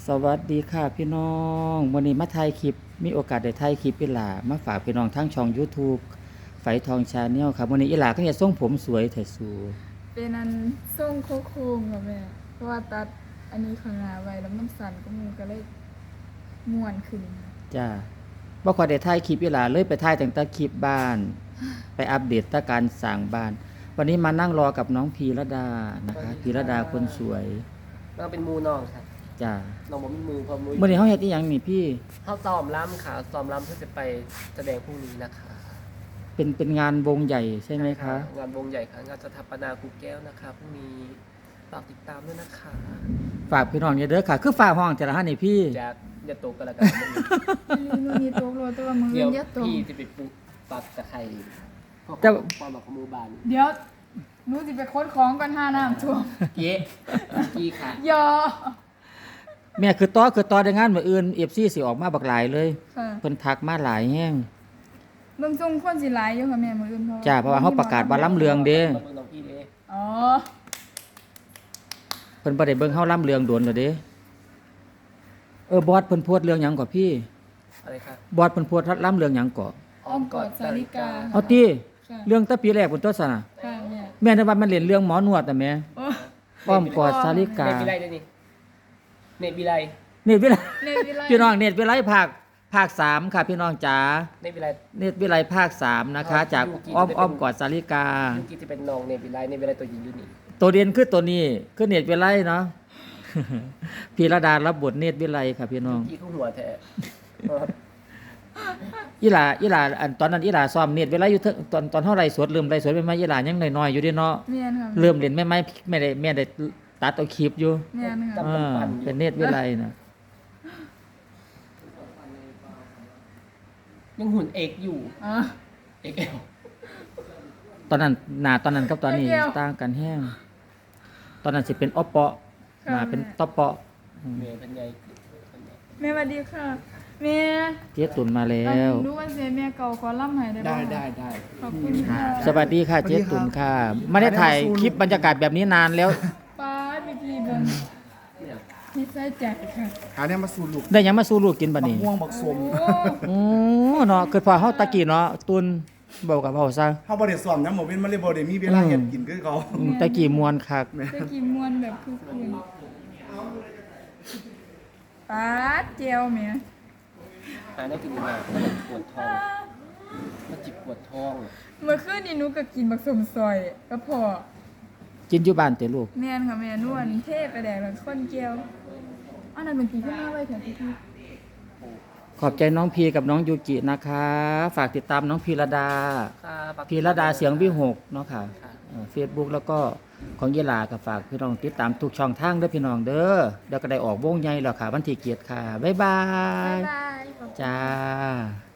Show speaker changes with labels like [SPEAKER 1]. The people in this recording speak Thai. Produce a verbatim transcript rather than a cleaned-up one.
[SPEAKER 1] สวัสดีค่ะพี่น้องวันนี้มาถ่ายคลิปมีโอกาสได้ถ่ายคลิปอีหลามาฝากพี่น้องทั้งช่อง YouTube ไฝทองชาแนลครับวันนี้อีหลาก็เฮ็ดทรงผมสวยแท้สู
[SPEAKER 2] เป็นอันทรงโค้งๆค่ะแม่เพราะว่าตัดอันนี้ข้างหน้าไว้แล้วมันสั่นก็มูก็เลยม่วนขึ้น
[SPEAKER 1] จ้าบ่ค่อยได้ถ่ายคลิปอีหลาเลยไปถ่ายแต่งแต่คลิปบ้าน ไปอัปเดตแต่การสร้างบ้าน วันนี้มานั่งรอกับน้องพีระดานะคะพีระดาคนสวย
[SPEAKER 3] เราเป็นหมูน้องครับ
[SPEAKER 1] จ้า
[SPEAKER 3] น้องบ่มีมือพอมือ
[SPEAKER 1] มื้อนี้เฮาเฮ็ดอีหยังนี่พี่
[SPEAKER 3] เขาซ้อมล้ำค่ะซ้อมล้ำเพื่อจะไปแสดงพรุ่งนี้นะคะ
[SPEAKER 1] เป็นเป็นงานวงใหญ่ใช่ไหมคะ
[SPEAKER 3] งานวงใหญ่ค่ะงานสถาปนาครูแก้วนะคะพรุ่งนี้ฝากติดตามด้วยนะคะ
[SPEAKER 1] ฝากพี่น้องอย่าเด้อค่ะ คือฝากห้องแต่ละท่านนี่พี่
[SPEAKER 3] จากอย่าตกกันละกัน
[SPEAKER 2] มันมีโต๊ะโรตัวมือ
[SPEAKER 3] เดี๋ยว
[SPEAKER 2] เยอะโต๊ะ
[SPEAKER 3] พี่จะไปปลูกปักตะไคร้พวก
[SPEAKER 1] แต่
[SPEAKER 3] ความแบบของมือบาน
[SPEAKER 2] เดี๋ยวหนูสิไปค้นของก่อนห้าน้ำท่วม
[SPEAKER 3] เก๊กี้ค่ะ
[SPEAKER 2] ยอ
[SPEAKER 1] แม่คือต่อคือต่อได้งานมื้ออื่น เอฟ ซี สิออกมาบักหลายเลย
[SPEAKER 2] ค่ะ
[SPEAKER 1] เพิ่นทักมาหลายแฮง
[SPEAKER 2] เบิ่งทรงคนสิหลายอยู่ค่ะแม่มื้ออื่นเพราะ
[SPEAKER 1] จ้าเพราะว่าเฮาประกาศว่าล้ำเรืองเด้
[SPEAKER 3] มาเบิ่งน้องพี่เด้
[SPEAKER 2] อ๋อ
[SPEAKER 1] เพิ่นบ่ได้เบิ่งเฮาล้ำเรืองโดนแล้วเด้เออบอสเพิ่นโพสต์เรื่องหยังก่อพี่
[SPEAKER 3] อะไรคะ
[SPEAKER 1] บอสเพิ่นโพสต์ล้ำเรืองหยังก่อ
[SPEAKER 2] อ้อมกอดสาริกา
[SPEAKER 1] เอาติ
[SPEAKER 2] ค่ะ
[SPEAKER 1] เรื่องแตะปีแรกเพิ่นตัวซั่นน่ะ
[SPEAKER 2] ค่ะแม่
[SPEAKER 1] แม่นึกว่ามันเล่นเรื่องหมอนวดแต่แม่
[SPEAKER 2] โอ้
[SPEAKER 1] อ้อมกอดสาริกา
[SPEAKER 3] เนตวิไลด้วยนี่เนตวิไล
[SPEAKER 1] เนตรวิไล
[SPEAKER 2] ในวิไล
[SPEAKER 1] พี่น้องเนตรวิไลภาคภาคสามค่ะพี่น้องจ๋า
[SPEAKER 3] เนตวิไล
[SPEAKER 1] เนตรวิไลภาคสามนะคะ จากอ้อมอ้อมกอดสาริกา
[SPEAKER 3] ยูกิจะเป็นน้องเนตวิไลเนตวิไลตัวหญิงอยู่นี่
[SPEAKER 1] ตัวเด่นคือตัวนี้คือเนตรวิไลเนาะ พีระดารับบทเนตรวิไลค่ะพี่น้อง
[SPEAKER 3] พี่เขาหัวแท้
[SPEAKER 1] อีหลาอีหลาอันตอนนั้นอีหลาซ้อมเน็ตเวลาอยู่เทิงตอนตอนเท่าไรสวดเริ่มไรสวดเป็นมาอีหลายังน้อยๆอยู่เดิเนาะ
[SPEAKER 2] แม่นค่ะ
[SPEAKER 1] เริ่มเล่นแม่ไม้ไม่ได้แม่ได้ตัดเอาคลิปอยู่
[SPEAKER 2] แม่นค่ะ
[SPEAKER 1] อ่าเป็นเน็ตวิไลนะ
[SPEAKER 3] ยังหุ่นเอกอยู่
[SPEAKER 2] อ๋อ
[SPEAKER 3] เอกเอล
[SPEAKER 1] ตอนนั้นหน้าตอนนั้นกับตอนนี้
[SPEAKER 2] เดี๋ยว
[SPEAKER 1] ต่างกันแห้งตอนนั้นสิเป็นออปเปาะหน้าเป็นตอปเปาะอืม
[SPEAKER 3] เมย์เป็นไง
[SPEAKER 2] แม่สวัสดีค่ะแม่
[SPEAKER 1] เจ๊ตุนมาแล้ว
[SPEAKER 2] รู้ว่าเสียแม่เก่าขอล่ำให้ได้ไหม
[SPEAKER 4] ได้ได้ได้
[SPEAKER 2] ขอบคุณค่ะ
[SPEAKER 1] สวัสดีค่ะเจ๊ตุนค่ะไม่ได้ถ่ายคลิปบรรยากาศแบบนี้นานแล้ว
[SPEAKER 2] ป้าพี่พี่เบิ่ง
[SPEAKER 3] เนี่ย
[SPEAKER 2] นี่ใส่ใจค่ะ
[SPEAKER 4] หาเนี่ยมาสู่ลูก
[SPEAKER 1] ได้หยังมาสู้ลูกกินบัด
[SPEAKER 4] บัก
[SPEAKER 1] นี้
[SPEAKER 4] ม่วงบักสม
[SPEAKER 2] โอ้
[SPEAKER 1] โอ้เนาะคือพอเฮาตะกี้เนาะตุนบอกกับเฮาซะ
[SPEAKER 4] เฮาบ่ได้สอนนะหมอวินมาเลยบ่ได้มีเวลาเฮ็ดกินคือเขา
[SPEAKER 1] อืมตะกี้มวนคัก
[SPEAKER 2] จะกินมวนแบบคือคืนป้าเจียวแม่
[SPEAKER 3] หาได้กินมาปวดท้องมาจิบปวดท้อง
[SPEAKER 2] เมื่อคืนนี้หนูก็กินบักสมซอยก็พอ
[SPEAKER 1] กินอยู่บ้านแต่ลูก
[SPEAKER 2] แม่นค่ะแม่นวลเทพไปแดกแล้วคนเจียวอันนั้นเป็นปีที่ห้าไว้เถอะพี่พี่
[SPEAKER 1] ขอบใจน้องพีกับน้องยูกินะคะ ฝากติดตามน้องพีระดา
[SPEAKER 3] ค่ะ
[SPEAKER 1] พีระดาเสียงวิหกเนาะค่ะ
[SPEAKER 3] ค่ะ
[SPEAKER 1] เฟซบุ๊กแล้วก็ของเยลากับฝากพี่น้องติดตามทุกช่องทางเด้อพี่น้องเด้อเดี๋ยวก็ได้ออกวงใหญ่แล้วค่ะ วันที่เกียรติค่ะ บ๊ายบา
[SPEAKER 2] บ๊าย
[SPEAKER 1] ย
[SPEAKER 2] บายขอบคุณ
[SPEAKER 1] จ้า